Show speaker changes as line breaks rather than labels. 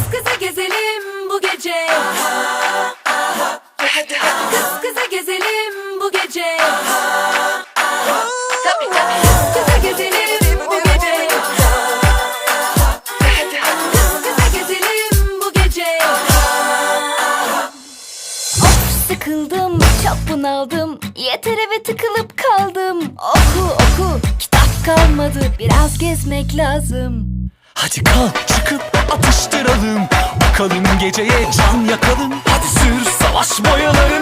kıza gezelim bu gece. Kız kıza gezelim bu gece. Tabii tabii. Kıza gezelim bu gece. Kıza gezelim bu gece. Of, sıkıldım, çok bunaldım. Yeter eve tıkılıp kaldım. Oku, kitap kalmadı. Biraz gezmek lazım.
Hadi kalk çıkıp atıştıralım. Bakalım geceye can yakalım. Hadi sür savaş boyaları.